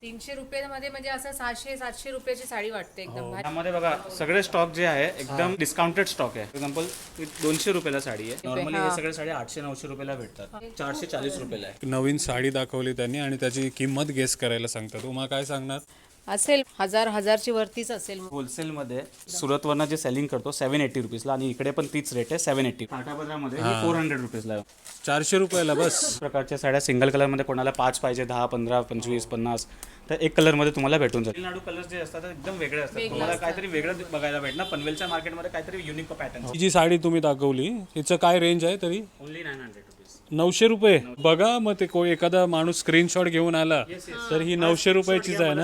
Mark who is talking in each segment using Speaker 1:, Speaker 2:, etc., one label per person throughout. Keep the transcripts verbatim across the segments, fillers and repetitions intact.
Speaker 1: तीनशे रुपयामध्ये म्हणजे असं सहाशे सातशे रुपयाची साडी वाटते एकदम भारी.
Speaker 2: त्यामध्ये बघा सगळे स्टॉक जे आहे एकदम डिस्काउंटेड स्टॉक आहे. एक्झाम्पल दोनशे रुपयाला साडी आहे. नॉर्मली हे सगळे साडी आठशे नऊशे रुपयाला भेटतात. चारशे चाळीस रुपयाला आहे.
Speaker 3: नवीन साडी दाखवली त्यांनी आणि त्याची किंमत गेस करायला सांगतात. तुम्हाला काय सांगणार?
Speaker 1: असेल हजार हजारची वरतीच असेल.
Speaker 2: होलसेलमध्ये सुरतवरनं जे सेलिंग करतो सेव्हन एटी रुपीजला आणि इकडे पण तीच रेट आहे सेव्हन एटी. काठापदरामध्ये फोर हंड्रेड रुपीजला आहे.
Speaker 3: चारशे रुपयाला बस.
Speaker 2: प्रकारच्या साड्या सिंगल कलरमध्ये कोणाला पाच पाहिजे, दहा पंधरा पंचवीस पन्नास तर एक कलरमध्ये तुम्हाला भेटून जाईल. तामिळनाडू कलर्स जे असतात एकदम वेगळे असतात. तुम्हाला काहीतरी वेगळं बघायला भेटणार. पनवेलच्या मार्केटमध्ये काहीतरी युनिक पॅटर्न.
Speaker 3: ही जी साडी तुम्ही दाखवली तिचं काय रेंज आहे तरी?
Speaker 2: Only nine hundred rupees.
Speaker 3: नऊशे रुपये. बघा मग ते कोण एखादा माणूस स्क्रीनशॉट घेऊन आला तर ही नऊशे रुपयाचीच आहे ना.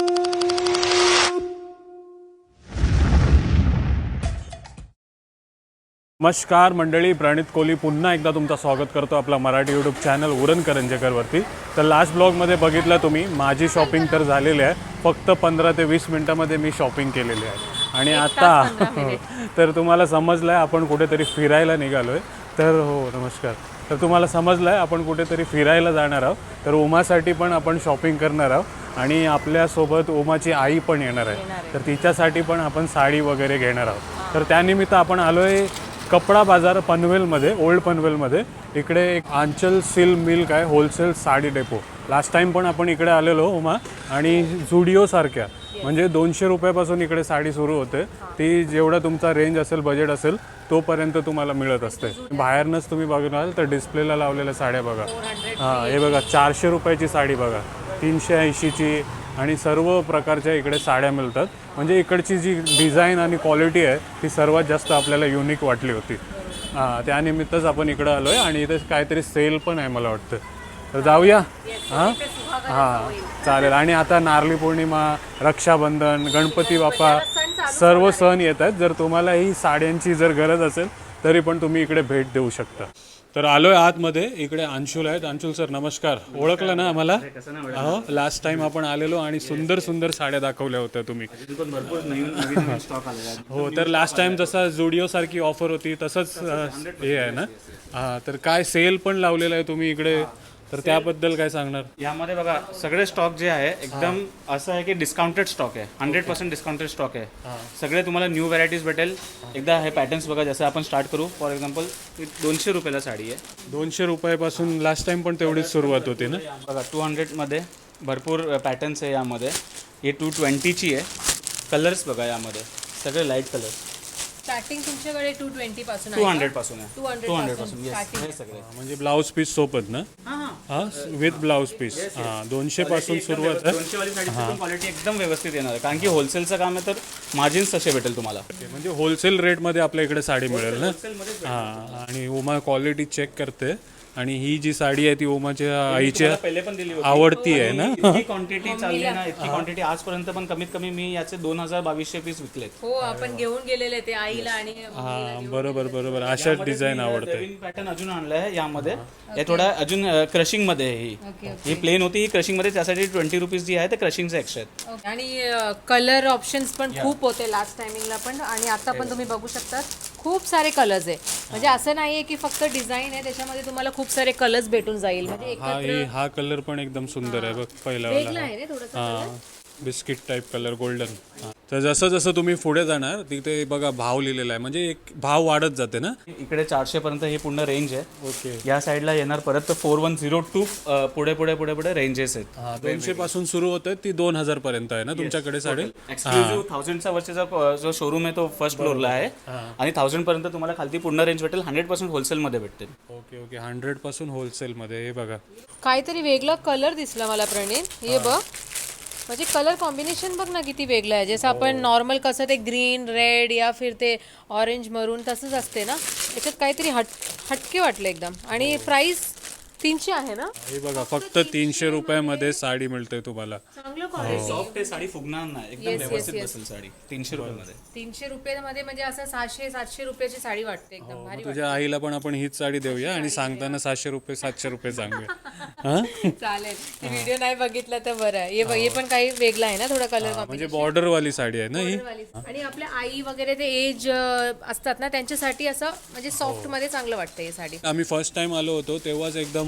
Speaker 3: नमस्कार मंडळी, प्रणित कोहली पुन्हा एकदा तुमचं स्वागत करतो आपला मराठी यूट्यूब चॅनल उरण करंजेकरवरती. तर लास्ट ब्लॉगमध्ये बघितलं तुम्ही, माझी शॉपिंग तर झालेली आहे. फक्त पंधरा ते वीस मिनटामध्ये मी शॉपिंग केलेली आहे. आणि आता तर तुम्हाला समजलं आहे आपण कुठेतरी फिरायला निघालो आहे. तर हो नमस्कार. तर तुम्हाला समजलं आहे आपण कुठेतरी फिरायला जाणार आहोत. तर उमासाठी पण आपण शॉपिंग करणार आहोत आणि आपल्यासोबत उमाची आई पण येणार आहे. तर तिच्यासाठी पण आपण साडी वगैरे घेणार आहोत. तर त्यानिमित्त आपण आलो आहे कपडा बाजार पनवेलमध्ये, ओल्ड पनवेलमध्ये. इकडे एक आंचल सिल्क मिल्क आहे, wholesale sari depot. Last time पण आपण इकडे आलेलो उमा, आणि झुडिओसारख्या म्हणजे दोनशे रुपयापासून इकडे साडी सुरू होते. ती जेवढा तुमचा रेंज असेल, बजेट असेल तोपर्यंत तुम्हाला मिळत असते. बाहेरनंच तुम्ही बघाल तर डिस्प्लेला लावलेल्या साड्या बघा. हां हे बघा चारशे रुपयाची साडी बघा, तीनशे ऐंशीची, आणि सर्व प्रकारच्या इकडे साड्या मिळतात. म्हणजे इकडची जी डिझाईन आणि क्वालिटी आहे ती सर्वात जास्त आपल्याला युनिक वाटली होती. हां त्यानिमित्तच आपण इकडं आलो आहे आणि इथे काहीतरी सेल पण आहे मला वाटतं. तर जाऊया. हां हां चालेल. आणि आता नारळी पौर्णिमा, रक्षाबंधन, गणपती बाप्पा सर्व सण येत आहेत. जर तुम्हाला ही साड्यांची जर गरज असेल तरी पण तुम्ही इकडे भेट देऊ शकता. तर आलोय आतमध्ये. इकडे अंशुल आहेत. अंशुल सर नमस्कार. ओळखलं ना आम्हाला? हो लास्ट टाइम आपण आलेलो आणि सुंदर सुंदर साड्या दाखवल्या होत्या तुम्ही.
Speaker 2: भरपूर नवीन नवीन स्टॉक आलेला आहे.
Speaker 3: हो तर लास्ट टाइम जसा झुडिओ सारखी ऑफर होती तसंच हे आहे ना. हां तर काय सेल पण लावलेला आहे तुम्ही इकडे, तर त्याबद्दल काय सांगणार?
Speaker 2: यामध्ये बघा सगळे स्टॉक जे आहे एकदम असं आहे की डिस्काउंटेड स्टॉक आहे. हंड्रेड पर्सेंट डिस्काउंटेड स्टॉक आहे. सगळे तुम्हाला न्यू व्हरायटीज भेटेल. एकदा हे पॅटर्न्स बघा. जसं आपण स्टार्ट करू, फॉर एक्झाम्पल दोनशे रुपयाला साडी आहे.
Speaker 3: दोनशे रुपयापासून लास्ट टाइम पण तेवढीच सुरुवात होती ना.
Speaker 2: बघा टू हंड्रेडमध्ये भरपूर पॅटर्न्स आहे. यामध्ये हे टू ट्वेंटीची आहे. कलर्स बघा यामध्ये सगळे लाईट कलर.
Speaker 1: स्टार्टिंग तुमच्याकडे टू ट्वेंटी पासून
Speaker 2: टू हंड्रेड पासून आहे.
Speaker 1: टू हंड्रेड
Speaker 2: टू हंड्रेड
Speaker 1: पासून
Speaker 2: पासून
Speaker 1: starting.
Speaker 2: हे सगळे
Speaker 3: म्हणजे ब्लाऊज पीस सोबत ना. हां विथ ब्लाऊज पीस. हां दोनशे पासून सुरुवात आहे.
Speaker 2: दोनशे वाली साडीची पण क्वालिटी एकदम व्यवस्थित येणार आहे, कारण की होलसेलचं काम आहे. तर मार्जिन्स तसे भेटेल तुम्हाला.
Speaker 3: म्हणजे होलसेल रेटमध्ये आपल्या इकडे साडी मिळेल ना. हां आणि उमा क्वालिटी चेक करते. आणि ही जी साडी आहे ती उमाच्या आईच्या
Speaker 2: पहिले पण दिली होती.
Speaker 3: आवडती आहे ना.
Speaker 2: इतकी क्वांटिटी चालली ना, इतकी क्वांटिटी आजपर्यंत पण कमीत कमी मी याचे दोन हजार बावीसशे पीस विकलेत.
Speaker 1: हो आपण घेऊन गेलेले ते आईला आणि
Speaker 3: हां बरोबर बरोबर. अशा डिझाईन आवडते.
Speaker 2: नवीन पॅटर्न अजून आणलाय यामध्ये. हे थोडा अजून क्रशिंग मध्ये आहे. ही ही प्लेन होती, ही क्रशिंग मध्ये. त्यासाठी ट्वेंटी रुपीज जी आहे ते क्रशिंगचे एक्स्ट्रा आहेत.
Speaker 1: आणि कलर ऑप्शन्स पण खूप होते लास्ट टायमिंगला पण. आणि आता पण तुम्ही बघू शकता खूप सारे कलर्स आहे. म्हणजे असं नाहीये की फक्त डिझाईन आहे, त्याच्यामध्ये तुम्हाला खूप सारे कलर्स भेटून जाईल. म्हणजे
Speaker 3: हा ही हा कलर पण एकदम सुंदर आहे बघ पहिला वाला.
Speaker 1: आहे रे थोडंसं.
Speaker 3: हां बिस्किट टाईप कलर गोल्डन. तर जसं जसं तुम्ही पुढे जाणार तिथे बघा भाव लिहिलेला आहे. म्हणजे एक भाव वाढत जाते ना.
Speaker 2: इकडे चारशे पर्यंत ही पूर्ण रेंज आहे.
Speaker 3: ओके.
Speaker 2: या साईडला येणार परत तर फोर वन झिरो टू पुढे पुढे पुढे पुढे रेंजेस आहेत.
Speaker 3: दोनशे पासून सुरू होते ती दोन हजार पर्यंत आहे ना तुमच्याकडे साडी.
Speaker 2: एक्सक्लुझिव्ह थाउजंडचा वरचा जो शोरूम आहे तो फर्स्ट फ्लोअरला आहे. आणि थाउजंड पर्यंत तुम्हाला खालती पूर्ण रेंज भेटेल. हंड्रेड पर्सेंट होलसेलमध्ये भेटते.
Speaker 3: Okay okay. हंड्रेड पासून होलसेलमध्ये. हे बघा
Speaker 1: काहीतरी वेगळा कलर दिसला मला प्रणित. हे बघ म्हणजे कलर कॉम्बिनेशन बघ ना किती वेगळं आहे. जसं आपण नॉर्मल कसं ते ग्रीन रेड या फिर ते ऑरेंज मरून तसंच असते ना, त्याच्यात काहीतरी हट हटके वाटलं एकदम. आणि प्राइस तीनशे आहे ना.
Speaker 3: हे बघा फक्त तीनशे रुपयामध्ये साडी मिळते तुम्हाला.
Speaker 1: चांगलं क्वालिटी.
Speaker 2: सॉफ्ट आहे साडी, फुगणार नाही, एकदम व्यवस्थित बसेल साडी. तीनशे रुपयामध्ये.
Speaker 1: तीनशे रुपयामध्ये म्हणजे असं सहाशे सातशे रुपयाची साडी वाटते एकदम भारी.
Speaker 3: तुझ्या आईला पण आपण हीच साडी देऊया आणि सांगताना सातशे रुपये सातशे रुपये सांगूया. हां
Speaker 1: चालेल. व्हिडिओ नाही बघितला तर बरं आहे. हे बघ हे पण काही वेगळं आहे ना थोडा कलर.
Speaker 3: म्हणजे बॉर्डर वाली साडी आहे ना ही.
Speaker 1: आणि आपल्या आई वगैरे ते एज असतात ना त्यांच्यासाठी असं म्हणजे सॉफ्ट मध्ये चांगलं वाटतं ही साडी.
Speaker 3: आम्ही फर्स्ट टाइम आलो होतो तेव्हाच एकदम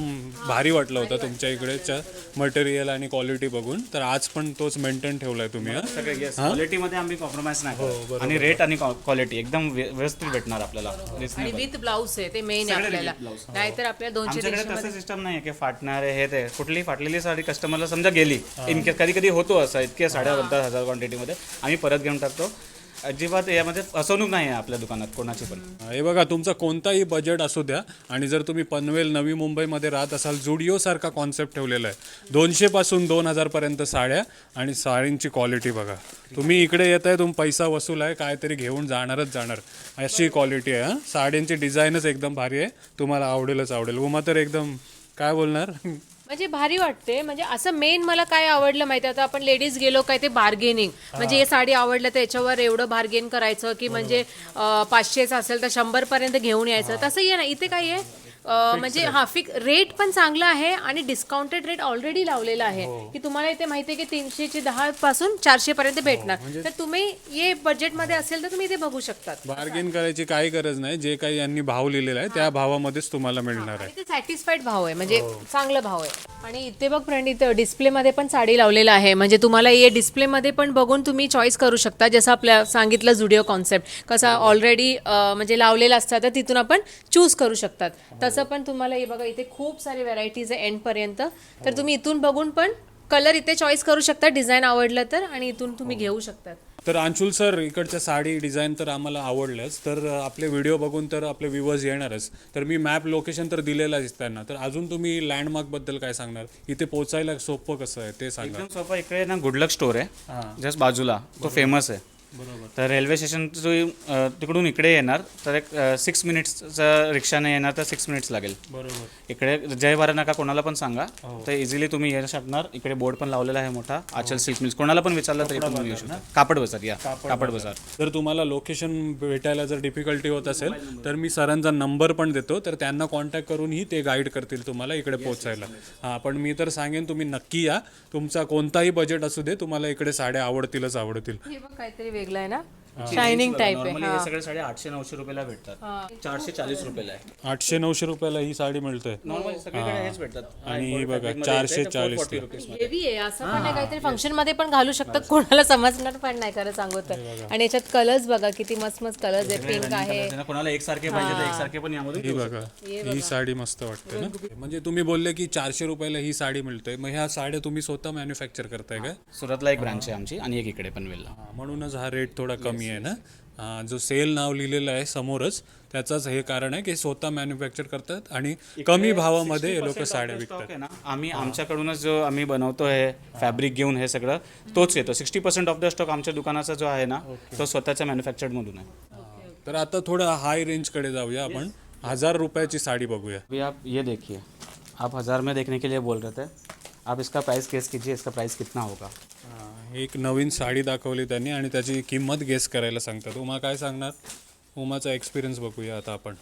Speaker 3: भारी वाटलं होतं तुमच्या इकडेच्या मटेरियल आणि क्वालिटी बघून, तर आज पण तोच मेंटेन ठेवलाय तुम्ही. हां
Speaker 2: सगळे येस क्वालिटीमध्ये आम्ही कॉम्प्रोमाइज नाही करत. आणि रेट आणि क्वालिटी एकदम व्य- व्यवस्थित भेटणार आपल्याला.
Speaker 1: आणि
Speaker 2: Reasonable.
Speaker 1: विथ ब्लाऊज आहे ते मेन आहे
Speaker 2: सगळे
Speaker 1: आपल्याला,
Speaker 2: with blouse.
Speaker 1: नाहीतर आपल्याला दोनशे
Speaker 2: आमच्याकडे
Speaker 1: तीनशे
Speaker 2: तसं सिस्टम नाही आहे की फाटणार आहे हे ते. कुठली फाटलेली साडी कस्टमरला समजा गेली इनकेस कधी कधी होतो असं, इतक्या साड्या बनतात हजार क्वांटिटीमध्ये, आम्ही परत घेऊन टाकतो. अजिबात यामध्ये फसवणूक नाही आहे आपल्या दुकानात कोणाची पण.
Speaker 3: हे बघा, तुमचा कोणताही बजेट असू द्या आणि जर तुम्ही पनवेल नवी मुंबईमध्ये राहत असाल, जुडिओसारखा कॉन्सेप्ट ठेवलेला आहे. दोनशेपासून दोन हजारपर्यंत साड्या आणि साडींची क्वालिटी बघा. तुम्ही इकडे येत आहे, तुम्ही पैसा वसूल आहे, काहीतरी घेऊन जाणारच जाणार, अशी क्वालिटी आहे. हां साड्यांची डिझाईनच एकदम भारी आहे, तुम्हाला आवडेलच आवडेल. उमा तर एकदम काय बोलणार
Speaker 1: म्हणजे भारी वाटते. म्हणजे असं मेन मला काय आवडलं माहिती आहे, आता आपण लेडीज गेलो काय ते बार्गेनिंग, म्हणजे हे साडी आवडलं तर याच्यावर एवढं बार्गेन करायचं की म्हणजे अं, पाचशेचं असेल तर शंभर पर्यंत घेऊन यायचं, तसं ये ना. इथे काय आहे अं, म्हणजे हा फिक रेट पण चांगला आहे आणि डिस्काउंटेड रेट ऑलरेडी लावलेला आहे की तुम्हाला इथे माहिती आहे की तीनशेचे दहा पासून चारशे पर्यंत भेटणार. तर तुम्ही ये बजेटमध्ये असेल तर तुम्ही इथे बघू शकतात.
Speaker 3: बार्गेन करायची काही गरज नाही. जे काही यांनी भाव लिहिलेला आहे त्या भावामध्येच तुम्हाला मिळणार आहे.
Speaker 1: आणि ते सॅटिस्फाईड भाव आहे, म्हणजे चांगला भाव आहे. आणि इथे बघ प्रणित डिस्प्लेमध्ये पण साडी लावलेलं आहे, म्हणजे तुम्हाला हे डिस्प्लेमध्ये पण बघून तुम्ही चॉईस करू शकता. जसं आपल्या सांगितलं जुडिओ कॉन्सेप्ट कसा ऑलरेडी म्हणजे लावलेला असतात, तर तिथून आपण चूज करू शकतात. तसं पण तुम्हाला हे बघा इथे खूप सारे व्हरायटीज आहे एंडपर्यंत, तर तुम्ही इथून बघून पण कलर इथे चॉईस करू शकता, डिझाईन आवडलं तर, आणि इथून तुम्ही घेऊ शकतात.
Speaker 3: तर अंशुल सर, इकडच्या साडी डिझाईन तर आम्हाला आवडल्याच, तर आपले व्हिडिओ बघून तर आपले व्ह्यूवर्स येणारच. तर मी मॅप लोकेशन तर दिलेलं आहे त्यांना, तर अजून तुम्ही लँडमार्कबद्दल काय सांगणार? इथे पोचायला सोपं कसं आहे ते सांगा.
Speaker 2: एकदम सोपं. इकडे ना गुडलक स्टोर आहे जस्ट बाजूला, तो फेमस आहे.
Speaker 3: बरोबर.
Speaker 2: तर रेल्वे स्टेशन तिकडून इकडे येणार तर एक सिक्स मिनिट्सचा रिक्षाने येणार तर सिक्स मिनिट्स लागेल.
Speaker 3: बरोबर.
Speaker 2: इकडे जय भारत नका कोणाला पण सांगा तर इझिली तुम्ही येऊ शकणार. इकडे बोर्ड पण लावलेला आहे मोठा, आचल सिल्क मिल्स. कोणाला पण विचारलं तरी पण येऊ शकता. कापड बाजार या कापड बाजार.
Speaker 3: जर तुम्हाला लोकेशन भेटायला जर डिफिकल्टी होत असेल तर मी सरांचा नंबर पण देतो, तर त्यांना कॉन्टॅक्ट करूनही ते गाईड करतील तुम्हाला इकडे पोहोचायला. हां, पण मी तर सांगेन तुम्ही नक्की या. तुमचा कोणताही बजेट असू दे, तुम्हाला इकडे साड्या आवडतीलच आवडतील.
Speaker 1: हे बघ काहीतरी वेगळं आहे ना, शायनिंग टाईप आहे.
Speaker 2: नॉर्मली हे सगळे साडे आठशे नऊशे रुपयाला भेटतात, चारशे चाळीस रुपयाला आहे.
Speaker 3: आठशे नऊशे रुपयाला ही साडी मिळते
Speaker 2: नॉर्मली सगळीकडे हेच भेटतात.
Speaker 3: आणि ही बघा चारशे चाळीस.
Speaker 1: हेवी आहे, असं पण नाही, काहीतरी फंक्शन मध्ये पण घालू शकतात, कोणाला समजणार पण नाही खरं सांगू तर. आणि याच्यात कलर्स बघा किती मस्त मस्त कलर्स आहेत, पिंक आहे.
Speaker 2: कोणाला एकसारखे पाहिजे तर एकसारखे पण यामध्ये
Speaker 3: ही बघा, ही साडी मस्त वाटते ना. म्हणजे तुम्ही बोलले की चारशे रुपयाला ही साडी मिळते, मग ह्या साड्या तुम्ही स्वतः मॅन्युफॅक्चर करताय का?
Speaker 2: सुरतला एक ब्रांच आहे आमची आणि एक इकडे पनवेलला.
Speaker 3: हां, म्हणूनच हा रेट थोडा कमी आहे ना. हां, जो सेल नाव लिहिलेलं आहे समोरच, त्याचंच हे कारण आहे की स्वतः मॅन्युफॅक्चर करतात आणि कमी भावामध्ये हे लोक साड्या विकतात.
Speaker 2: आहे ना, आम्ही आमच्याकडूनच जो आम्ही बनवतो हे फॅब्रिक घेऊन हे सगळं तोच येतो. Sixty percent of the stock आमच्या दुकानाचा जो आहे ना तो स्वतःच्या मॅन्युफॅक्चर्ड मधून आहे.
Speaker 3: तर आता थोडं हाय रेंजकडे जाऊया आपण. हजार रुपयाची साडी बघूया.
Speaker 2: अभी आप ये देखिए, आप हज़ार में देखने के लिए बोल रहे थे, आप इसका प्राइस गेस कीजिए, इसका प्राइस कितना होगा.
Speaker 3: हां, एक नवीन साडी दाखवली त्यांनी आणि त्याची किंमत गेस करायला सांगतात. उमा काय सांगणार? उमाचा एक्सपिरियन्स बघूया आता आपण.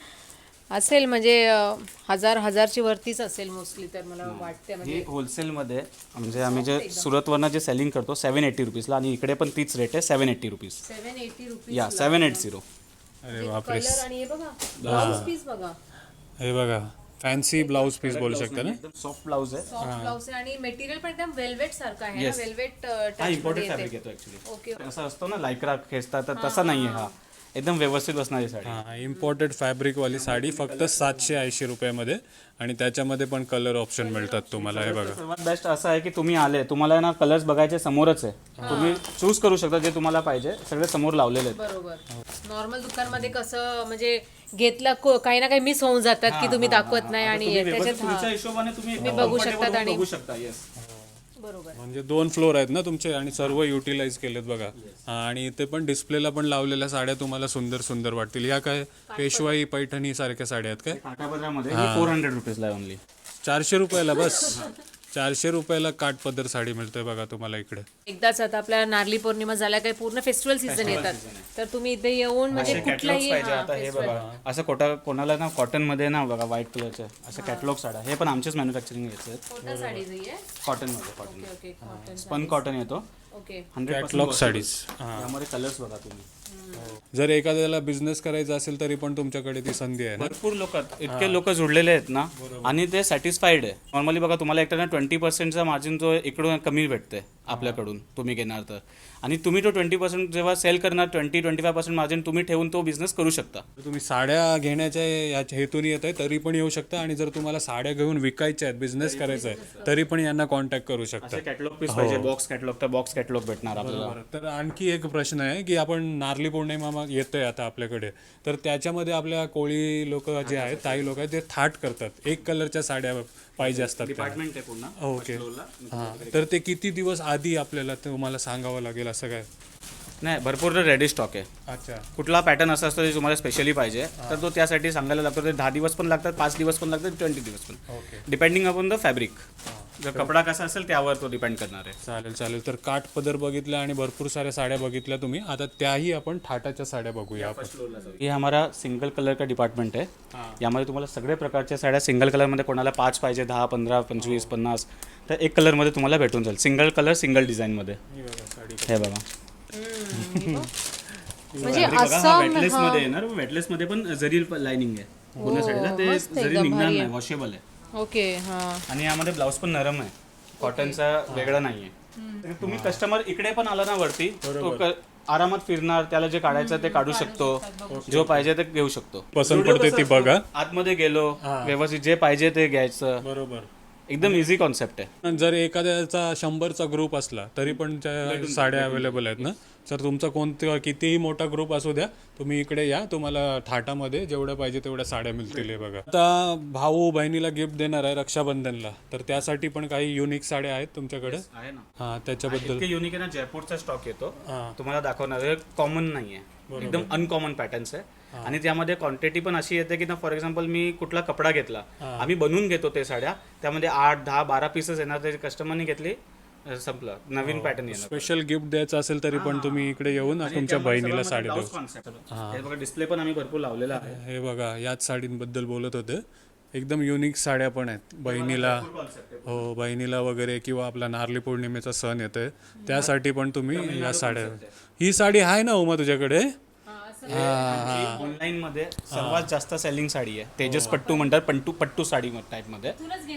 Speaker 1: असेल म्हणजे अं, हजार हजारची वरतीच असेल मोस्टली, तर मला वाटते. म्हणजे
Speaker 2: हे होलसेलमध्ये म्हणजे आम्ही जे सुरतवरनं जे सेलिंग करतो सेवन एट्टी रुपीजला, आणि इकडे पण तीच रेट आहे seven eighty rupees.
Speaker 1: Seven eighty rupees
Speaker 2: या सेवन एट झिरो.
Speaker 3: अरे बापरे.
Speaker 1: कलर आणि हे बघा ब्लाउज पीस बघा,
Speaker 3: हे बघा फॅन्सी ब्लाऊज पीस बोलू शकता ना.
Speaker 2: एकदम सॉफ्ट ब्लाउज आहे.
Speaker 1: सॉफ्ट ब्लाउज आहे आणि मटेरियल पण एकदम वेल्वेट सारखं आहे ना, वेल्वेट
Speaker 2: हा इम्पोर्टेड फॅब्रिक येतो ऍक्च्युली.
Speaker 1: ओके.
Speaker 2: असं असतो ना लायक्रा खेचता, तर तसा नाही आहे हा. एकदम व्यवस्थित बसणारी साडी.
Speaker 3: हां, इम्पोर्टेड फॅब्रिकवाली साडी फक्त सातशे ऐंशी रुपयामध्ये, आणि त्याच्यामध्ये पण कलर ऑप्शन मिळतात तुम्हाला. हे बघा,
Speaker 2: सर्वात बेस्ट असं आहे की तुम्ही आले, तुम्हाला ना कलर्स बघायचे समोरच आहे, तुम्ही चूज करू शकता जे तुम्हाला पाहिजे, सगळे समोर लावलेले आहेत.
Speaker 1: बरोबर. नॉर्मल दुकानमध्ये कसं म्हणजे घेतला को- काही ना काही मिस होऊन जातात की तुम्ही दाखवत नाही, आणि त्याच्यात
Speaker 2: तुमच्या हिशोबाने तुम्ही
Speaker 1: तुम्ही बघू शकतात आणि
Speaker 2: बघू शकता. येस
Speaker 1: बरोबर.
Speaker 3: म्हणजे दोन फ्लोर आहेत ना तुमचे आणि सर्व युटिलाइज केलेत बघा. हां, आणि इथे पण डिस्प्लेला पण लावलेल्या साड्या तुम्हाला सुंदर सुंदर वाटतील. या काय पेशवाई पैठणी सारख्या साड्या आहेत काय?
Speaker 2: काठापदरामध्ये फोर हंड्रेड रुपीजला आहे ओनली.
Speaker 3: चारशे रुपयाला बस. चारशे रुपयाला काठपदर साडी मिळते बघा तुम्हाला इकडे.
Speaker 1: एकदाच आता आपल्या नारळी पौर्णिमा झाल्या, काही पूर्ण फेस्टिवल सीझन येतात, तर तुम्ही इथे येऊन म्हणजे कुठलाही
Speaker 2: पाहिजे. आता हे बघा असं कोटा कोणाला ना कॉटन मध्ये ना बघा व्हाईट कलरचे असं कॅटलॉग साड्या, हे पण आमचेच मॅन्युफॅक्चरिंग घ्यायचे आहेत.
Speaker 1: कोणत्या साडीज आहे?
Speaker 2: कॉटन मध्ये cotton
Speaker 1: okay, cotton.
Speaker 2: Spun cotton येतो
Speaker 1: ओके.
Speaker 2: Hundred
Speaker 3: catalogue saris. हां,
Speaker 2: यामध्ये कलर्स बघा तुम्ही.
Speaker 3: जर एखाद्याला बिझनेस करायचा असेल तरी पण तुमच्याकडे ती संधी आहे ना.
Speaker 2: भरपूर लोक इतके लोक जुडलेले आहेत ना आणि ते सॅटिस्फाईड आहे. नॉर्मली बघा तुम्हाला एकट्यानं ट्वेंटी पर्सेंटचा मार्जिन जो इकडून कमी भेटते आपल्याकडून तुम्ही घेणार तर, आणि तुम्ही तो ट्वेंटी पर्सेंट जेव्हा सेल करणार twenty twenty five percent margin तुम्ही ठेवून तो बिझनेस करू शकता.
Speaker 3: तुम्ही साड्या घेण्याच्या या हेतून येत आहे तरी पण येऊ शकता, आणि जर तुम्हाला साड्या घेऊन विकायच्या आहेत, बिझनेस करायचा आहे, तरी पण यांना कॉन्टॅक्ट करू शकता.
Speaker 2: कॅटलॉग पीस पाहिजे, बॉक्स कॅटलॉग तर बॉक्स कॅटलॉग भेटणार आपल्याला.
Speaker 3: तर आणखी एक प्रश्न आहे की आपण नारळी पौर्णिमा येतोय आता आपल्याकडे, तर त्याच्यामध्ये आपल्या कोळी लोक जे आहेत, ताई लोक आहेत, ते थाट करतात, एक कलरच्या साड्या पाहिजे असतात त्यांना.
Speaker 2: डिपार्टमेंट आहे पुन्हा.
Speaker 3: ओके. हां, तर ते किती दिवस आधी आपल्याला तुम्हाला सांगावं लागेल असं काय?
Speaker 2: नाही, भरपूर रेडी स्टॉक आहे.
Speaker 3: अच्छा.
Speaker 2: कुठला पॅटर्न असा असतो जे तुम्हाला स्पेशली पाहिजे तर तो त्यासाठी सांगायला लागतो. ते दहा दिवस पण लागतात, पाच दिवस पण लागतात, ट्वेंटी दिवस पण,
Speaker 3: okay.
Speaker 2: Depending upon the fabric. जर कपडा कसा असेल त्यावर तो डिपेंड करणार आहे.
Speaker 3: चालेल चालेल. तर काठ पदर बघितल्या आणि भरपूर साऱ्या साड्या बघितल्या तुम्ही, आता त्याही आपण थाटाच्या साड्या बघूया आपण.
Speaker 2: ये हमारा सिंगल कलर का डिपार्टमेंट है. यामध्ये तुम्हाला सगळे प्रकारच्या साड्या सिंगल कलरमध्ये, कोणाला पाच पाहिजे, दहा पंधरा पंचवीस पन्नास, तर एक कलरमध्ये तुम्हाला भेटून जाईल. सिंगल कलर सिंगल डिझाईनमध्ये. हे बघा
Speaker 1: म्हणजे असं
Speaker 2: वेटलेस मध्ये येणार. वेटलेस मध्ये पण जरी लाइनिंग आहे पूर्ण साडीला, ते जरी निघणार नाही, वॉशेबल आहे.
Speaker 1: ओके. हा.
Speaker 2: आणि यामध्ये ब्लाऊज पण नरम आहे, कॉटनचा वेगळा नाहीये. तर तुम्ही कस्टमर इकडे पण आला ना वरती, तो क- आरामात फिरणार, त्याला जे काढायचं ते काढू शकतो, जो पाहिजे ते घेऊ शकतो.
Speaker 3: पसंत पडते ती बघा.
Speaker 2: आतमध्ये गेलो व्यवस्थित जे पाहिजे ते घ्यायचं.
Speaker 3: बरोबर.
Speaker 2: एकदम इझी कॉन्सेप्ट आहे.
Speaker 3: जर एखाद्याचा शंभरचा ग्रुप असला तरी पण त्या साड्या अवेलेबल आहेत ना. सर तुमचा कोणता कितीही मोठा ग्रुप असू द्या, तुम्ही इकडे या, तुम्हाला थाटामध्ये जेवढं पाहिजे तेवढ्या साड्या मिळतील. हे बघा, आता भाऊ बहिणीला गिफ्ट देणार आहे रक्षाबंधनला, तर त्यासाठी पण काही युनिक साड्या आहेत तुमच्याकडे.
Speaker 2: आहे ना.
Speaker 3: हा, त्याच्याबद्दल.
Speaker 2: इतके युनिक आहे ना, जयपूरचा स्टॉक येतो
Speaker 3: हा.
Speaker 2: तुम्हाला दाखवणार. कॉमन नाहीये, एकदम अनकॉमन पॅटर्न्स आहे. आणि त्यामध्ये क्वांटिटी पण अशी येते की ना, फॉर एक्झाम्पल मी कुठला कपडा घेतला, आम्ही बनवून घेतो ते साड्या, त्यामध्ये आठ दहा बारा पीसेस येणार, ते कस्टमरने घेतली, संपलं, नवीन पॅटर्न येणार.
Speaker 3: स्पेशल गिफ्ट द्यायचं असेल तरी पण तुम्ही इकडे येऊन तुमच्या बहिणीला साडी देऊ.
Speaker 2: हे बघा, डिस्प्ले पण आम्ही भरपूर लावलेला आहे.
Speaker 3: हे बघा, याच साडींबद्दल बोलत होते. एकदम युनिक साड्या पण आहेत बहिणीला. हो, बहिणीला वगैरे, किंवा आपला नारळी पौर्णिमेचा सण येतोय त्यासाठी पण तुम्ही या साड्या. ही साडी आहे ना उमा तुझ्याकडे?
Speaker 2: ऑनलाईन मध्ये सर्वात जास्त सेलिंग साडी आहे. तेजस पट्टू म्हणतात, पट्टू पट्टू साडी टाइप मध्ये.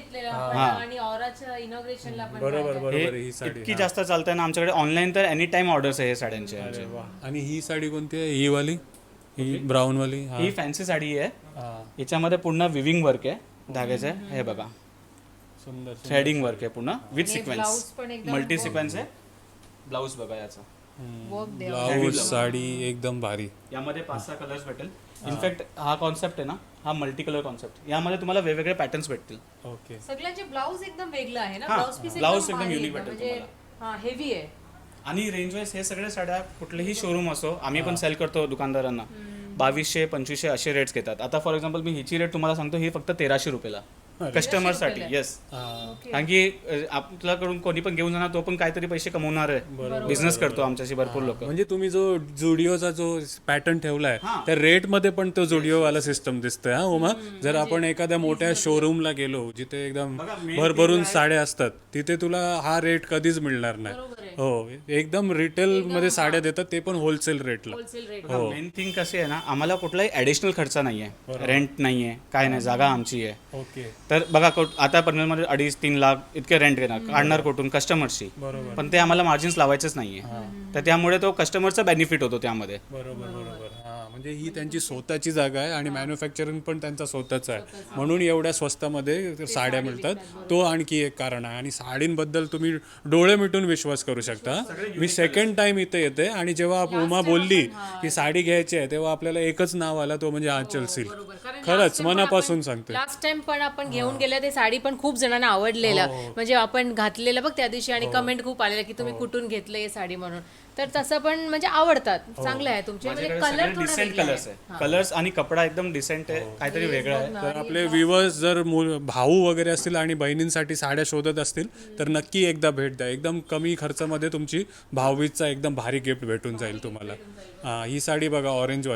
Speaker 3: बरोबर बरोबर.
Speaker 2: हे
Speaker 3: ही साडी
Speaker 2: इतकी जास्त चालते ना आमच्याकडे ऑनलाईन, तर एनी टाइम ऑर्डर्स आहे हे साड्यांचे.
Speaker 3: आणि ही साडी कोणती आहे? ही वाली, ही ब्राऊन वाली. हा.
Speaker 2: ही फॅन्सी साडी आहे.
Speaker 3: हा.
Speaker 2: याच्यामध्ये पूर्ण विविंग वर्क आहे धाग्याचं. हे बघा,
Speaker 3: सुंदर.
Speaker 2: थ्रेडिंग वर्क आहे पूर्ण विथ सिक्वेन्स, मल्टी सिक्वेन्स आहे. ब्लाऊज बघा याचा,
Speaker 3: ब्लाऊज साडी एकदम भारी.
Speaker 2: यामध्ये पाच सहा कलर्स भेटेल. इनफॅक्ट हा कॉन्सेप्ट आहे ना, हा मल्टी कलर कॉन्सेप्ट, यामध्ये तुम्हाला वेगवेगळे पॅटर्न्स भेटतील.
Speaker 3: ओके.
Speaker 1: सगळ्यांचे ब्लाऊज एकदम वेगळं आहे ना.
Speaker 2: हा,
Speaker 1: ब्लाऊज पीस
Speaker 2: ब्लाऊज एकदम युनिक भेटेल
Speaker 1: म्हणजे हा हेवी आहे.
Speaker 2: आणि रेंज वाईज हे सगळे साड्या कुठलेही शोरूम असो, आम्ही पण सेल करतो दुकानदारांना, बावीसशे पंचवीसशे असे रेट्स घेतात. आता फॉर एक्झाम्पल मी हिची रेट तुम्हाला सांगतो, ही फक्त तेराशे रुपयाला कस्टमरसाठी. येस, कारण की आपल्याकडून कोणी पण घेऊन जाणार, तो पण काहीतरी पैसे कमवणार आहे, बिझनेस करतो आमच्याशी भरपूर लोक.
Speaker 3: म्हणजे तुम्ही जो जुडिओचा जो पॅटर्न ठेवलाय त्या रेट मध्ये पण तो जुडिओ वाला सिस्टम दिसतोय. हा उमा, जर आपण एखाद्या मोठ्या शोरूमला गेलो जिथे एकदम भरभरून साड्या असतात, तिथे तुला हा रेट कधीच मिळणार नाही. हो, एकदम रिटेल मध्ये साड्या देतात, ते पण होलसेल रेटला.
Speaker 2: हो, मेन थिंग कशी आहे ना, आम्हाला कुठलाही ऍडिशनल खर्च नाहीये, रेंट नाहीये, काय नाही, जागा आमची आहे.
Speaker 3: ओके.
Speaker 2: तर बघा, आता पनवेलमध्ये अडीच तीन लाख इतके रेंट घेणार, काढणार कुठून? कस्टमरशी. पण ते आम्हाला मार्जिन्स लावायचंच नाहीये, तर त्यामुळे तो कस्टमरचा बेनिफिट होतो त्यामध्ये.
Speaker 3: बरोबर बरोबर. हा, म्हणजे ही त्यांची स्वतःची जागा आहे आणि मॅन्युफॅक्चरिंग पण त्यांचा स्वतःचा आहे, म्हणून एवढ्या स्वस्तामध्ये साड्या मिळतात. तो आणखी एक कारण आहे. आणि साडींबद्दल तुम्ही डोळे मिटून विश्वास करू शकता. मी सेकंड टाइम इथे येते, आणि जेव्हा उमा बोलली की साडी घ्यायची आहे, तेव्हा आपल्याला एकच नाव आलं, तो म्हणजे आंचल सिल्क. खरंच मनापासून सांगते.
Speaker 1: लास्ट टाइम पण आपण घेऊन गेल्या ते साडी पण खूप जणांना आवडलेलं, म्हणजे आपण घातलेलं बघ त्या दिवशी, आणि कमेंट खूप आलेलं की तुम्ही कुठून घेतलं हे साडी म्हणून. तर तसं पण म्हणजे आवडतात, चांगलं आहे तुमचे. म्हणजे कलर
Speaker 2: डिसेंट कलर्स आहे, कलर्स आणि कपडा एकदम डिसेंट आहे, काहीतरी वेगळं आहे.
Speaker 3: तर आपले व्ह्युअर्स जर मु- भाऊ वगैरे असतील आणि बहिणींसाठी साड्या शोधत असतील, तर नक्की एकदा भेट द्या. एकदम कमी खर्चामध्ये तुमची भाऊबीजचा एकदम भारी गिफ्ट भेटून जाईल तुम्हाला. हा, ही साडी बघा, ऑरेंजवाली,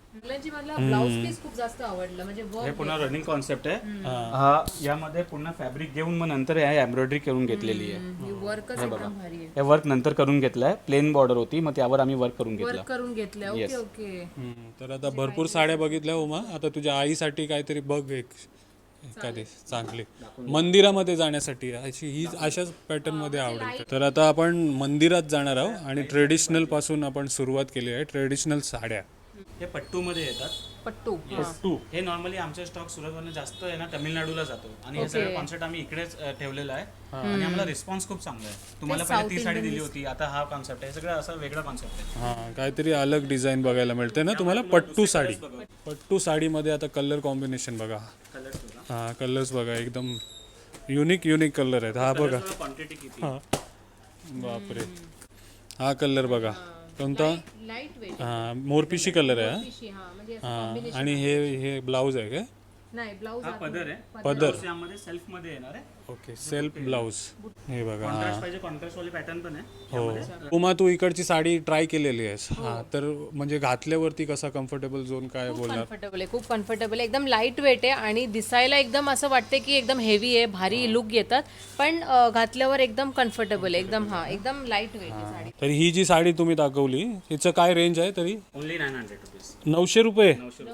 Speaker 1: मुलांची मला ब्लाउज पीस खूप जास्त आवडलं म्हणजे
Speaker 2: हे
Speaker 1: वर्क
Speaker 2: पुन्हा रनिंग कॉन्सेप्ट आहे. हा यामध्ये पुन्हा फॅब्रिक घेऊन मग नंतर एम्ब्रॉयडरी करून घेतलेली आहे.
Speaker 1: वर्कच एकदम भारी आहे.
Speaker 2: हे वर्क नंतर करून घेतलंय. प्लेन बॉर्डर होती मग त्यावर आम्ही वर्क करून घेतलं.
Speaker 1: वर्क करून घेतलं. Okay okay.
Speaker 3: हम्म, तर आता भरपूर साड्या बघितल्या उमा, आता तुझ्या आईसाठी काहीतरी बघ एक एखादी चांगली मंदिरामध्ये जाण्यासाठी अशी ही अशाच पॅटर्न मध्ये आवडेल. तर आता आपण मंदिरात जाणार आहोत आणि ट्रेडिशनल पासून आपण सुरुवात केली आहे. ट्रेडिशनल साड्या
Speaker 2: हे पट्टू मध्ये येतात.
Speaker 1: पट्टू.
Speaker 2: पट्टू हे नॉर्मली आमचे स्टॉक सुरतवरून जास्त आहे ना तामिळनाडूला जातो आणि हे सगळं कॉन्सेप्ट आम्ही इकडेच अ, ठेवलेला आहे आणि आम्हाला रिस्पॉन्स खूप चांगला आहे. तुम्हाला पहिले ती साडी दिली होती, आता हा कॉन्सेप्ट आहे. हे सगळं असं वेगळा कॉन्सेप्ट आहे.
Speaker 3: हा काहीतरी अलग डिझाईन बघायला मिळते ना तुम्हाला. पट्टू साडी, पट्टू साडीमध्ये आता कलर कॉम्बिनेशन बघा.
Speaker 2: कलर्स बघा.
Speaker 3: हा कलर्स बघा एकदम युनिक युनिक कलर आहेत. हा बघा,
Speaker 2: क्वांटिटी किती.
Speaker 3: हा बापरे, हा कलर बघा कोणता,
Speaker 1: लाईट वेट.
Speaker 3: हा मोरपिशी कलर आहे हा.
Speaker 1: हा म्हणजे असं
Speaker 3: हा आणि हे हे ब्लाऊज आहे काय?
Speaker 1: नाही ब्लाउज
Speaker 2: हा पदर आहे.
Speaker 3: पदर.
Speaker 2: यामध्ये सेल्फ मध्ये येणार आहे.
Speaker 3: Okay, self blouse. हे बघा हा.
Speaker 2: कॉन्ट्रास्ट पाहिजे कॉन्ट्रास्ट वाले पॅटर्न पण आहे.
Speaker 3: हो उमा, तू इकडची साडी ट्राय केलेली आहेस. हा तर म्हणजे घातल्यावरती कसा कम्फर्टेबल झोन काय बोलणार?
Speaker 1: कम्फर्टेबल आहे, खूप कम्फर्टेबल आहे. एकदम लाईट वेट आहे आणि दिसायला एकदम असं वाटते की एकदम हेवी आहे, भारी लुक येतात, पण अ, घातल्यावर एकदम कम्फर्टेबल आहे एकदम. हा एकदम लाईट वेट आहे साडी.
Speaker 3: तर ही जी साडी तुम्ही दाखवली हिचं काय रेंज आहे तरी?
Speaker 2: Only nine hundred rupees.
Speaker 3: नऊशे रुपये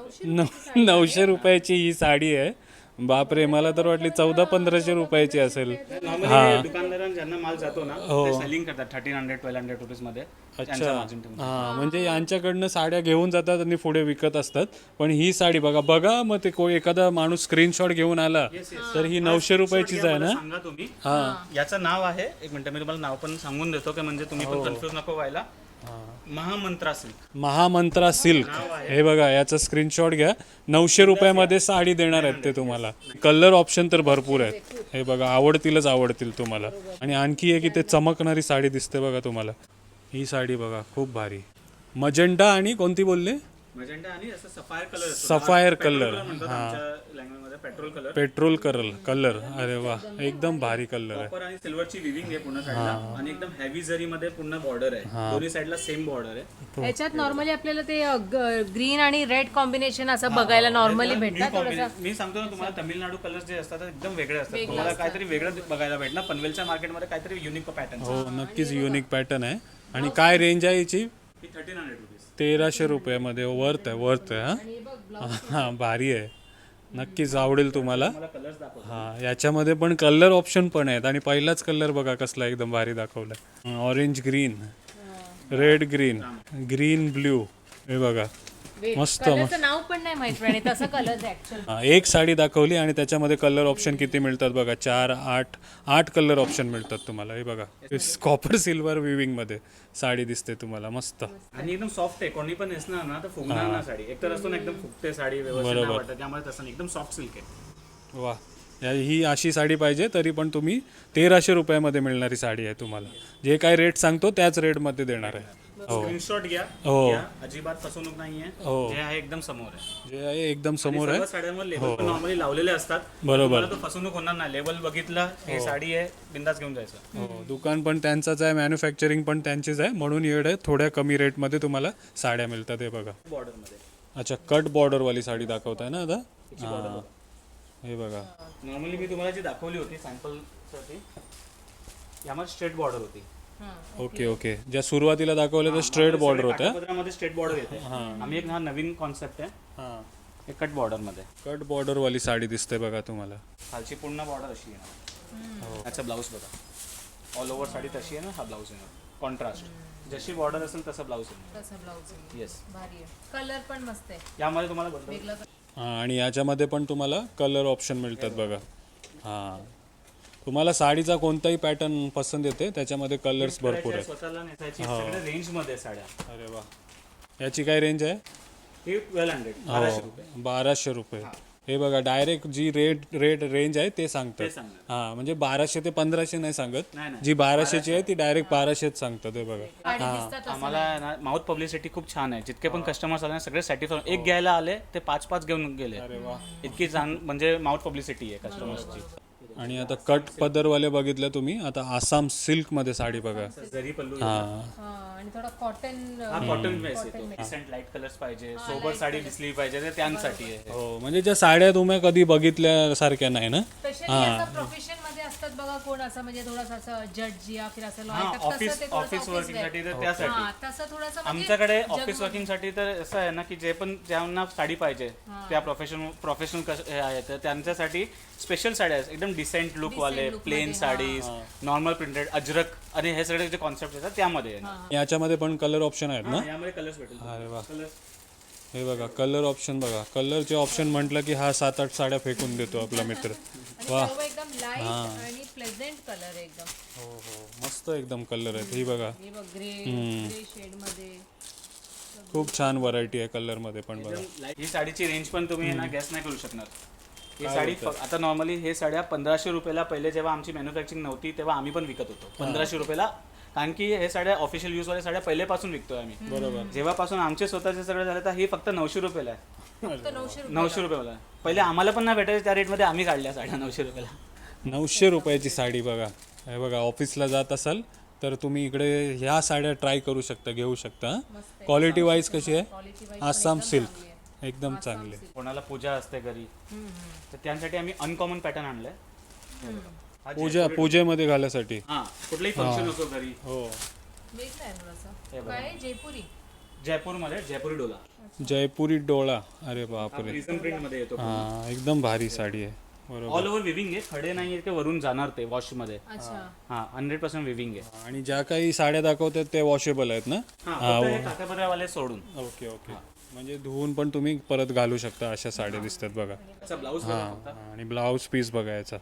Speaker 3: न- नऊशे रुपयाची ही साडी आहे. बापरे, मला तर वाटली चौदा पंधराशे रुपयाची असेल.
Speaker 2: नॉर्मली दुकानदारांना ज्यांना माल जातो ना ते सेलिंग करतात thirteen hundred twelve hundred rupees मध्ये.
Speaker 3: अच्छा, हा म्हणजे यांच्याकडनं साड्या घेऊन जातात आणि पुढे विकत असतात. पण ही साडी बघा बघा मग ते कोण एखादा माणूस स्क्रीनशॉट घेऊन आला तर ही नऊशे रुपयाचीच आहे ना?
Speaker 2: सांगा तुम्ही. याचं नाव आहे, एक मिनिट मी तुम्हाला नाव पण सांगून देतो की म्हणजे तुम्ही पण कन्फ्युज नको व्हायला. महामंत्रा सिल्क.
Speaker 3: महामंत्रा सिल्क. हे बघा याचा स्क्रीनशॉट घ्या. नऊशे रुपयामध्ये साडी देणार आहेत ते तुम्हाला. कलर ऑप्शन तर भरपूर आहेत. हे बघा आवडतीलच आवडतील तुम्हाला. आणि आणखी एक इथे चमकणारी साडी दिसते बघा तुम्हाला. ही साडी बघा खूप भारी. मजेंटा आणि कोणती बोलले?
Speaker 2: मजेंटा आणि असं सफायर कलर.
Speaker 3: Sapphire colour.
Speaker 2: लँग्वेजमध्ये petrol colour.
Speaker 3: Petrol colour colour. अरे वा एकदम भारी कलर आहे.
Speaker 2: कॉपर आणि सिल्वरची विविंग आहे पूर्ण साईडला आणि एकदम हेवी जरी मध्ये पूर्ण बॉर्डर आहे. दोन्ही साईडला सेम बॉर्डर आहे.
Speaker 1: ह्याच्यात नॉर्मली आपल्याला ते ग्रीन आणि रेड कॉम्बिनेशन असं बघायला नॉर्मली भेटतात. थोडंसं
Speaker 2: मी सांगतो ना तुम्हाला तामिळनाडू कलर्स जे असतात ते एकदम वेगळे असतात. तुम्हाला काहीतरी वेगळं बघायला भेटणार. पनवेलच्या मार्केटमध्ये काहीतरी युनिक पॅटर्न.
Speaker 3: हो नक्कीच युनिक पॅटर्न आहे. आणि काय रेंज आहे याची?
Speaker 2: Thirteen hundred rupees.
Speaker 3: तेराशे रुपयामध्ये वर्थ आहे वर्थ आहे हा. हा भारी आहे, नक्कीच आवडेल तुम्हाला.
Speaker 2: कलर्स दाखव.
Speaker 3: हा याच्यामध्ये पण कलर ऑप्शन पण आहेत. आणि पहिलाच कलर बघा कसला एकदम भारी दाखवलाय. Orange green, red green, green blue. हे बघा मस्त.
Speaker 1: कलरचं नाव पण नाही माहित पण तसं कलर ऍक्च्युअल.
Speaker 3: हा, एक साडी दाखवली आणि त्याच्यामध्ये कलर ऑप्शन किती मिळतात बघा. चार आठ आठ कलर ऑप्शन मिळतात तुम्हाला. हे बघा कॉपर सिल्वर विविंग मध्ये साडी दिसते तुम्हाला मस्त.
Speaker 2: आणि एकदम सॉफ्ट आहे. कोणी पण नेसणार ना तर फुगणार ना साडी. एकतर असतो ना एकदम फुगते साडी व्यवस्थित नाही वाटत. त्यामुळे तसं नाही, एकदम सॉफ्ट सिल्क आहे.
Speaker 3: वा या ही अशी साडी पाहिजे तरी पण तुम्ही तेराशे रुपयामध्ये मिळणारी साडी आहे तुम्हाला. जे काय रेट सांगतो त्याच रेटमध्ये देणार आहे. हो
Speaker 2: स्क्रीनशॉट घ्या.
Speaker 3: हो.
Speaker 2: घ्या. अजिबात फसवणूक नाहीये.
Speaker 3: हो.
Speaker 2: जे आहे एकदम समोर आहे.
Speaker 3: जे आहे एकदम समोर आहे.
Speaker 2: सर्व साड्यांवर लेबल पण नॉर्मली लावलेले असतात.
Speaker 3: बरोबर.
Speaker 2: तुम्हाला तो फसवणूक होणार नाही. लेबल बघितलं हे साडी आहे बिंदास घेऊन जायचं.
Speaker 3: हो दुकान पण त्यांचंच आहे, मॅन्युफॅक्चरिंग पण त्यांचीच आहे, म्हणून एवढे थोड्या कमी रेटमध्ये तुम्हाला साड्या मिळतात. हे बघा.
Speaker 2: बॉर्डर मध्ये.
Speaker 3: अच्छा कट बॉर्डरवाली साडी दाखवताय ना आता. हां हे बघा.
Speaker 2: नॉर्मली मी तुम्हाला जी दाखवली होती सॅम्पल साठी यामध्ये स्ट्रेट बॉर्डर होती.
Speaker 3: ओके ओके, ज्या सुरुवातीला दाखवल्या त्या स्ट्रेट बॉर्डर होत्या.
Speaker 2: काठापदरामध्ये स्ट्रेट बॉर्डर येते. आम्ही एक हा नवीन कॉन्सेप्ट आहे.
Speaker 3: हां
Speaker 2: हे कट बॉर्डर मध्ये.
Speaker 3: कट बॉर्डरवाली साडी दिसते बघा तुम्हाला.
Speaker 2: खालची पूर्ण बॉर्डर अशी येणार. याचा ब्लाऊज बघा. ऑल ओव्हर साडी तशी आहे ना. हा ब्लाऊज येणार कॉन्ट्रास्ट. जशी बॉर्डर असेल तसं ब्लाऊज येणार.
Speaker 1: तसं ब्लाउज
Speaker 2: येस.
Speaker 1: भारी आहे. कलर पण मस्त आहे.
Speaker 2: यामध्ये तुम्हाला बदल
Speaker 1: वेगळा
Speaker 3: हां आणि याच्यामध्ये पण तुम्हाला कलर ऑप्शन मिळतात बघा. हां तुम्हाला साडीचा कोणताही पॅटर्न पसंत येते त्याच्यामध्ये कलर्स भरपूर आहेत.
Speaker 2: स्वतःला नेसायची सगळ्या रेंज मध्ये साड्या.
Speaker 3: अरे वा. याची काय रेंज आहे?
Speaker 2: हे ट्वेल्व हंड्रेड बाराशे रुपये.
Speaker 3: बाराशे रुपये. हे बघा डायरेक्ट जी रेट रेट रेंज आहे ते सांगतात.
Speaker 2: सांगतात.
Speaker 3: हा म्हणजे बाराशे ते पंधराशे नाही सांगत.
Speaker 2: नाही, नाही.
Speaker 3: जी बाराशेची आहे ती डायरेक्ट बाराशेच सांगतात. हे बघा.
Speaker 1: साडी दिसतात.
Speaker 2: आम्हाला ना माउथ पब्लिसिटी खूप छान आहे. जितके पण कस्टमर्स आले ना सगळे सॅटिस्फाय. एक घ्यायला आले ते पाच पाच घेऊन गेले. इतकी छान म्हणजे माउथ पब्लिसिटी आहे कस्टमर्सची.
Speaker 3: आणि आता कट पदरवाले बघितले तुम्ही, आता आसाम सिल्कमध्ये साडी बघा.
Speaker 2: जरी पल्लू
Speaker 3: हां
Speaker 1: हा आणि थोडा कॉटन
Speaker 2: हा कॉटन बेस येतो. डिसेंट लाईट कलर्स पाहिजे, सोबर साडी दिसली पाहिजे तर त्यांसाठी आहे.
Speaker 3: हो, म्हणजे ज्या साड्या तुम्ही कधी बघितल्यासारख्या नाही ना.
Speaker 1: स्पेशली असं प्रोफेशन मध्ये असतात बघा कोण असं म्हणजे थोडासा असं जज या फिर असं
Speaker 2: हा
Speaker 1: लॉयर
Speaker 2: ऑफिस ऑफिस वर्किंग साठी तर त्यासाठी
Speaker 1: हा तसं थोडंसं म्हणजे
Speaker 2: आमच्याकडे ऑफिस वर्किंग साठी तर असं आहे ना की जे पण ज्यांना साडी पाहिजे त्या प्रोफेशनल प्रोफेशनल आहे तर त्यांच्यासाठी स्पेशल साड्या आहेत एकदम डिसेंट लुक वाले, plain saris, normal printed, ajrak आणि हे सगळे जे कॉन्सेप्ट येतात त्यामध्ये आहे.
Speaker 3: याच्यामध्ये पण कलर ऑप्शन आहेत ना.
Speaker 2: यामध्ये कलर्स भेटेल.
Speaker 3: अरे वा,
Speaker 2: कलर्स
Speaker 3: हे बघा कलर ऑप्शन बघा. कलरचे ऑप्शन म्हटलं की हा सात आठ साड्या फेकून देतो आपला मित्र. वा,
Speaker 1: सर्व एकदम लाईट आणि प्लेझेंट कलर आहे एकदम.
Speaker 3: हो हो, मस्त एकदम कलर आहेत. ही बघा,
Speaker 1: हे बघ ग्रे ग्रे शेड मध्ये
Speaker 3: खूप छान व्हरायटी आहे कलर मध्ये पण बघा.
Speaker 2: ही साडीची रेंज पण तुम्ही ना गॅस नाही करू शकणार. ही साडी फ- आता नॉर्मली हे साड्या पंधराशे रुपयाला पहिले जेव्हा आमची मॅन्युफॅक्चरिंग नव्हती तेव्हा आम्ही पण विकत होतो पंधराशे रुपयाला. कारण की हे साड्या ऑफिशियल यूज वाल्या साड्या पहिल्यापासून विकतोय आम्ही. बरोबर. जेव्हापासून आमचे स्वतःचे सगळे झाले तर ही फक्त नऊशे रुपयाला आहे.
Speaker 1: फक्त नऊशे रुपये.
Speaker 2: नऊशे रुपयाला आहे. पहिले आम्हाला पण नाही भेटायचे त्या रेटमध्ये आम्ही काढल्या साड्या नऊशे रुपयाला.
Speaker 3: नऊशे रुपयाची साडी बघा. हे बघा, ऑफिसला जात असाल तर तुम्ही इकडे ह्या साड्या ट्राय करू शकता, घेऊ शकता. क्वालिटी वाईज कशी आहे? आसाम सिल्क एकदम चांगले.
Speaker 2: कोणाला पूजा असते घरी तर त्यांसाठी आम्ही अनकॉमन पॅटर्न आणलाय. हा
Speaker 3: पूजा पूजेमध्ये घालायसाठी.
Speaker 2: हा कुठलाही फंक्शन असो घरी.
Speaker 3: हो,
Speaker 1: वेगळं आहे थोडंसं. काय जयपुरी
Speaker 2: जयपूरमध्ये जयपुरी डोला
Speaker 3: जयपुरी डोळा. अरे बापरे,
Speaker 2: प्रिझम प्रिंट मध्ये येतो.
Speaker 3: हा एकदम भारी साडी आहे. बरोबर.
Speaker 2: ऑल ओव्हर विविंग आहे, खडे नाही आहे ते वरून जाणार ते वॉश मध्ये.
Speaker 1: अच्छा
Speaker 2: हा हंड्रेड पर्सेंट विविंग आहे.
Speaker 3: आणि ज्या काही साड्या दाखवतात ते वॉशेबल आहेत ना.
Speaker 2: हा फक्त हे काठापदरावाले सोडून.
Speaker 3: ओके ओके, म्हणजे धुवून पण तुम्ही परत घालू शकता. अशा साड्या दिसतात बघा.
Speaker 2: त्याचा ब्लाऊज
Speaker 3: हा, आणि ब्लाऊज पीस बघायचा.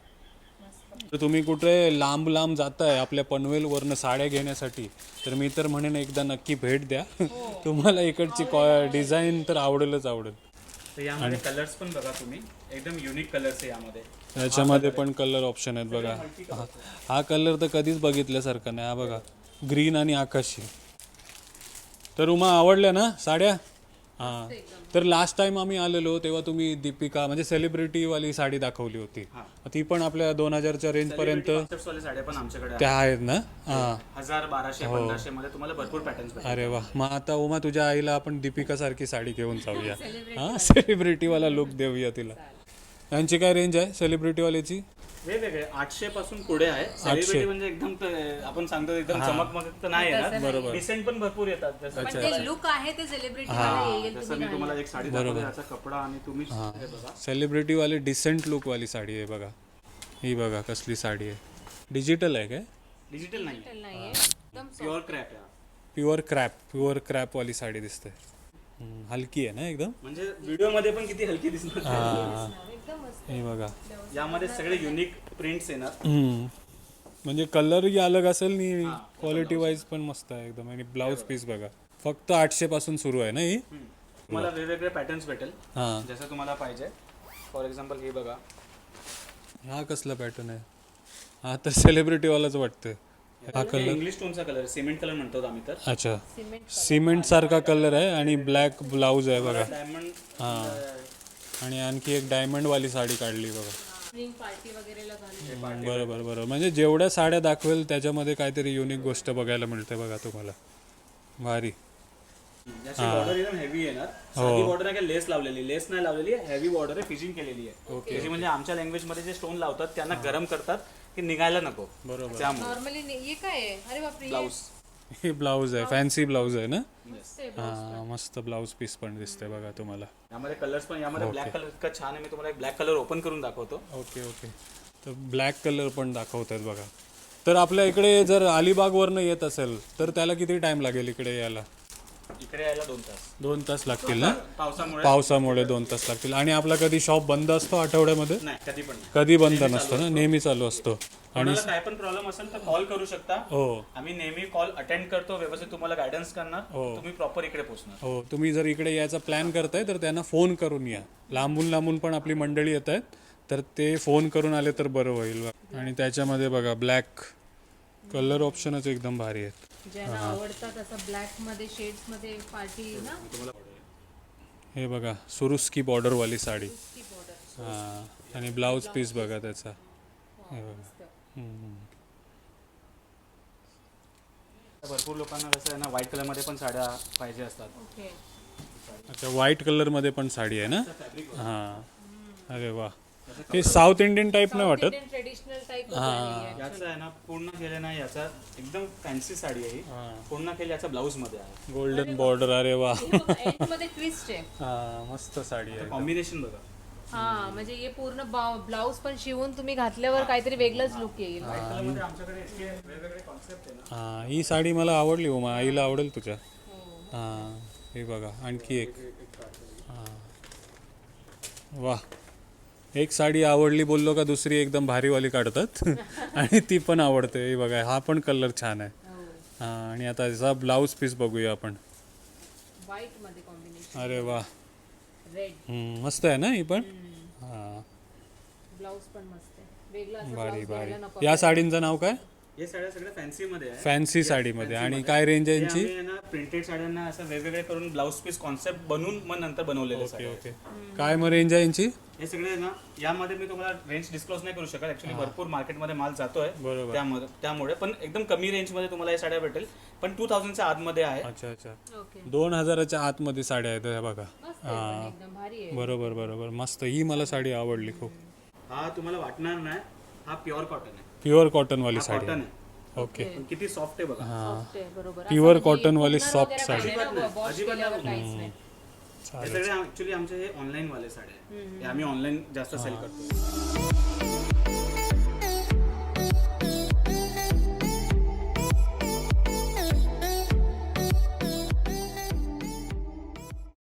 Speaker 3: तर तुम्ही कुठे लांब लांब जाताय आपल्या पनवेलवरनं साड्या घेण्यासाठी तर मी तर म्हणेन एकदा नक्की भेट द्या. तुम्हाला इकडची डिझाईन तर आवडेलच आवडेल.
Speaker 2: तर यामध्ये कलर्स पण बघा तुम्ही, एकदम युनिक कलर्स आहे यामध्ये.
Speaker 3: याच्यामध्ये पण कलर ऑप्शन आहेत बघा. हा- हा कलर तर कधीच बघितल्यासारखा नाही. हा बघा, ग्रीन आणि आकाशी. तर उमा आवडल्या ना साड्या? हां, तर लास्ट टाइम आम्ही आलेलो तेव्हा तुम्ही दीपिका म्हणजे सेलिब्रिटीवाली साडी दाखवली होती. ती पण आपल्या दोन हजारच्या रेंजपर्यंत
Speaker 2: Concepts वाले साड्या पण आमच्याकडे
Speaker 3: त्या आहेत ना. हां,
Speaker 2: हजार बाराशे पंधराशे मध्ये तुम्हाला भरपूर पॅटर्न्स भेटतील.
Speaker 3: अरे वा. मग आता उमा तुझ्या आईला आपण दीपिका सारखी साडी घेऊन जाऊया. हां, सेलिब्रिटीवाला लुक देऊया तिला. यांची काय रेंज आहे सेलिब्रिटीवाल्याची?
Speaker 2: वेगवेगळे आठशे पासून पुढे आहे. सेलिब्रिटी म्हणजे एकदम ते आपण सांगतो एकदम चमकमक तर नाही येणार. बरोबर. डिसेंट पण भरपूर येतात. जसं
Speaker 1: पण ते लुक आहे ते सेलिब्रिटी वाला येईल.
Speaker 2: जसं मी तुम्हाला एक साडी दाखवली याचा कपडा आणि तुम्ही हे बघा.
Speaker 3: सेलिब्रिटीवाली डिसेंट लुकवाली साडी आहे बघा. ही बघा कसली साडी आहे. डिजिटल आहे काय?
Speaker 2: डिजिटल नाही,
Speaker 1: नाहीये एकदम
Speaker 2: प्युअर क्रॅप आहे.
Speaker 3: प्युअर क्रॅप प्युअर क्रॅपवाली साडी दिसते. हम्म, हलकी आहे ना एकदम.
Speaker 2: म्हणजे व्हिडिओ मध्ये पण किती हलकी दिसणार.
Speaker 3: हां,
Speaker 1: एकदम मस्त.
Speaker 3: हे बघा.
Speaker 2: यामध्ये सगळे युनिक प्रिंट्स येणार.
Speaker 3: हम्म, म्हणजे कलरही अलग असेल आणि क्वालिटी वाईज पण मस्त आहे एकदम. आणि ब्लाऊज पीस बघा, फक्त आठशे पासून सुरू आहे ना ही.
Speaker 2: तुम्हाला वेगवेगळे पॅटर्न्स भेटेल
Speaker 3: हां,
Speaker 2: जसं तुम्हाला पाहिजे. फॉर एक्झाम्पल हे बघा,
Speaker 3: हा कसला पॅटर्न आहे? हा तर सेलिब्रिटीवालाच वाटतं. हा कलर
Speaker 2: इंग्लिश टोनचा कलर सिमेंट कलर म्हणतो आम्ही तर.
Speaker 3: अच्छा, सिमेंट सारखा कलर आहे आणि ब्लॅक ब्लाऊज आहे बघा.
Speaker 2: डायमंड
Speaker 3: हां, आणि आणखी एक डायमंडवाली साडी काढली बघा.
Speaker 1: स्प्रिंग पार्टी वगैरेला घालून.
Speaker 3: बरोबर बरोबर, म्हणजे जेवढ्या साड्या दाखवेल त्याच्यामध्ये काहीतरी युनिक गोष्ट बघायला मिळते बघा तुम्हाला. भारी.
Speaker 2: याची बॉर्डर एकदम हेवी येणार. साधी बॉर्डर आहे, लेस लावलेली, लेस नाही लावलेली आहे, हेवी बॉर्डर आहे, फिजिंग केलेली आहे. त्याची म्हणजे आमच्या लँग्वेज मध्ये जे स्टोन लावतात त्यांना गरम करतात की निघायला नको.
Speaker 3: बरोबर.
Speaker 2: त्यामुळे
Speaker 1: नॉर्मली हे काय आहे? अरे बापरे, हे
Speaker 2: ब्लाऊज
Speaker 3: हे ब्लाऊज आहे, फॅन्सी ब्लाऊज आहे ना.
Speaker 1: मस्त आहे.
Speaker 3: हा, मस्त ब्लाऊज पीस पण दिसते बघा तुम्हाला.
Speaker 2: यामध्ये कलर्स पण, यामध्ये ब्लॅक कलर इतका छान आहे. मी तुम्हाला एक ब्लॅक कलर ओपन करून दाखवतो.
Speaker 3: ओके ओके, तर ब्लॅक कलर पण दाखवतात बघा. तर आपल्या इकडे जर अलिबागवरनं येत असेल तर त्याला किती टाइम लागेल इकडे यायला?
Speaker 2: इकडे यायला दोन तास.
Speaker 3: दोन तास लागतील ना.
Speaker 2: पावसामुळे
Speaker 3: पावसामुळे दोन तास लागतील. आणि आपला कधी शॉप बंद असतो आठवड्यामध्ये?
Speaker 2: नाही, कधी पण नाही.
Speaker 3: कधी बंद नसतो ना, नेहमी चालू असतो.
Speaker 2: कोणाला काय पण प्रॉब्लेम असेल तर कॉल करू शकता.
Speaker 3: हो
Speaker 2: आम्ही नेहमी कॉल अटेंड करतो, व्यवस्थित तुम्हाला गायडन्स करणार, तुम्ही प्रॉपर इकडे पोहोचणार.
Speaker 3: हो, तुम्ही जर इकडे यायचा प्लॅन करताय तर त्यांना फोन करून या. लांबून लांबून पण आपली मंडळी येत आहेत तर ते फोन करून आले तर बरं होईल. आणि त्याच्यामध्ये बघा ब्लॅक कलर ऑप्शनच एकदम भारी आहेत.
Speaker 1: ज्यांना आवडतात असं ब्लॅक मध्ये शेड्स मध्ये पार्टी ना.
Speaker 3: हे बघा सुरुस्की बॉर्डरवाली साडी.
Speaker 1: ती border.
Speaker 3: हां, आणि ब्लाऊज पीस बघा त्याचा. हे बघा. हम्म.
Speaker 2: भरपूर लोकांना कसं आहे ना व्हाईट कलरमध्ये पण साड्या पाहिजे असतात.
Speaker 1: ओके.
Speaker 3: अच्छा व्हाईट कलरमध्ये पण साडी आहे ना हां अरे वा हे साऊथ इंडियन टाईप नाही वाटत
Speaker 1: ट्रेडिशनल टाइप
Speaker 2: याचं आहे ना पूर्ण केलं ना याचा एकदम फॅन्सी साडी आहे ही. पूर्ण केली याचा ब्लाऊज मध्ये आहे.
Speaker 3: गोल्डन बॉर्डर अरे वा
Speaker 1: एंड मध्ये ट्विस्ट आहे.
Speaker 3: हां मस्त साडी आहे
Speaker 2: कॉम्बिनेशन बघा.
Speaker 1: हा म्हणजे हे पूर्ण ब्लाऊज पण शिवून तुम्ही घातल्यावर काहीतरी वेगळंच लुक येईल.
Speaker 2: कलरमध्ये आमच्याकडे इतके वेगवेगळे कॉन्सेप्ट आहे ना.
Speaker 3: हां ही साडी मला आवडली हो मग आईला आवडेल तुझ्या हां हे बघा आणखी एक हां वा एक साडी आवडली बोललो का दुसरी एकदम भारीवाली काढतात आणि ती पण आवडते हे बघा हा पण कलर छान आहे हां आणि आता याचा ब्लाऊज पीस बघूया आपण
Speaker 1: व्हाईट मध्ये कॉम्बिनेशन
Speaker 3: अरे वा
Speaker 1: रेड
Speaker 3: हम्म, मस्त आहे ना ही पण हां
Speaker 1: ब्लाऊज पण मस्त आहे वेगळा असं
Speaker 3: भारी
Speaker 1: blouse
Speaker 3: भारी
Speaker 1: घ्यायला नको.
Speaker 3: या साडींचं नाव काय
Speaker 2: हे साड्या सगळ्या फॅन्सी मध्ये आहे.
Speaker 3: फॅन्सी साडीमध्ये आणि काय रेंज आहे यांची
Speaker 2: आम्ही आहे ना प्रिंटेड साड्यांना असं वेगवेगळे करून ब्लाऊज पीस कॉन्सेप्ट बनवून मग नंतर बनवलेले
Speaker 3: ओके
Speaker 2: साड्या.
Speaker 3: ओके काय मग रेंज आहे यांची
Speaker 2: हे सगळे ना यामध्ये मी तुम्हाला रेंज डिस्क्लोज नाही करू शकत ऍक्च्युली भरपूर मार्केटमध्ये माल जातोय
Speaker 3: बरोबर
Speaker 2: त्यामध्ये त्यामुळे पण एकदम कमी रेंजमध्ये तुम्हाला हे साड्या भेटेल पण टू थाउजंडच्या आतमध्ये आहे.
Speaker 3: अच्छा अच्छा
Speaker 1: ओके
Speaker 3: दोन हजाराच्या आतमध्ये साड्या आहेत ह्या बघा
Speaker 1: मस्त आहे पण एकदम भारी आहे.
Speaker 3: बरोबर बरोबर मस्त ही मला साडी आवडली खूप
Speaker 2: हा तुम्हाला वाटणार नाही हा प्युअर कॉटन आहे.
Speaker 3: प्युअर कॉटनवाली साडी
Speaker 2: कॉटन आहे
Speaker 3: ओके
Speaker 2: पण किती सॉफ्ट आहे बघा.
Speaker 1: Soft आहे, बरोबर
Speaker 3: प्युअर कॉटनवाली सॉफ्ट साडी
Speaker 2: अजिबात नाही, अजिबात नाही.
Speaker 1: काहीच नाही.
Speaker 2: हे सगळे ऍक्च्युली आमचे हे ऑनलाईन वाले साडे आहे. हे आम्ही ऑनलाईन जास्त सेल करतो.